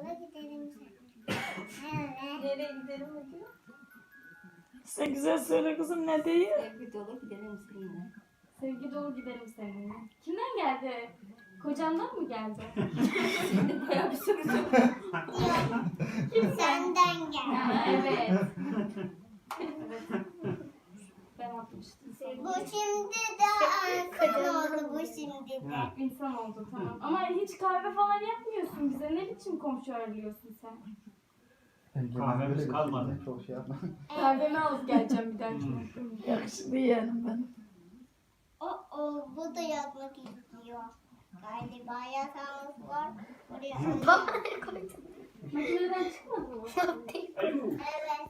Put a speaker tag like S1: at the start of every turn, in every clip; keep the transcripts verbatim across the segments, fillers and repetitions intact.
S1: dolu gidelim seninle.
S2: Nereye gidelim mi diyor?
S3: Sen güzel söyle kızım, ne diyor?
S2: Sevgi dolu gidelim seninle.
S4: Sevgi dolu gidelim seninle. Kimden geldi? Kocandan mı geldi?
S2: Şimdi bayağı bir soru sor.
S1: Yok. Senden gel.
S4: Ha, evet. Evet. Ben atmıştım.
S1: Bu şimdi de insan oldu bu şimdi de.
S4: İnsan oldu tamam. Ama hiç kahve falan yapmıyorsun bize. Ne biçim komşu ağırlıyorsun sen?
S5: Kahvemiz kalmadı.
S6: Çok şey yapma.
S4: Kahvemi alıp geleceğim bir dahakine.
S3: Yakışıklı yeğenim benim.
S1: O, o bu da yazmak istiyor. Galiba yatağımız var. Oraya
S4: Makineden çıkmadı mı?
S5: Alo.
S1: Evet.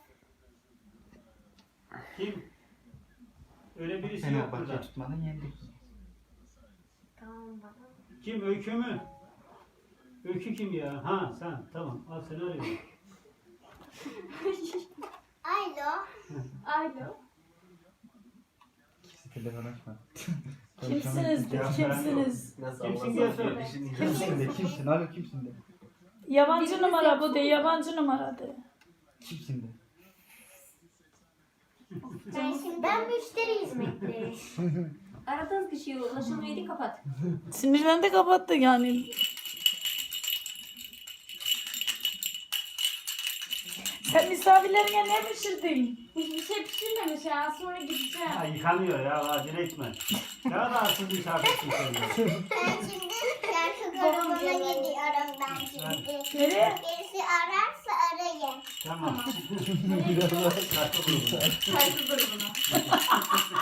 S5: Kim? Öyle birisi yok
S6: Fenerbahçe
S5: burada.
S6: tutmadan yendik.
S5: Kim? Öykü mü? Öykü kim ya? Ha sen. Tamam. Al seni arıyorum.
S1: Alo.
S4: Alo.
S6: İkisi telefon açma.
S3: Kimsiniz de, kimsiniz?
S5: Kimsin diye söyle.
S6: Kimsin de kimsin? Alo kimsin de?
S3: Yabancı numara bu de, yabancı numara de.
S6: Kimsin de?
S1: Ben, şimdi... ben müşteri hizmetleri.
S2: Aradığınız kişiye ulaşılmayı kapat.
S3: Sinirlendi, kapattı yani. Sen misafirlerine ne pişirdin?
S4: Hiçbir şey pişirmemiş ya. Sonra gideceğim.
S5: Ha, yıkanıyor ya. Acele etme. Ne kadar arsız misafirsin sen ya.
S1: Ben şimdi şarkı grubuna gidiyorum ben şimdi.
S3: Nereye?
S1: Birisi ararsa arayın.
S5: Tamam.
S4: Nereye gidiyorsun?
S5: Şarkı grubu.
S4: Saygı grubuna.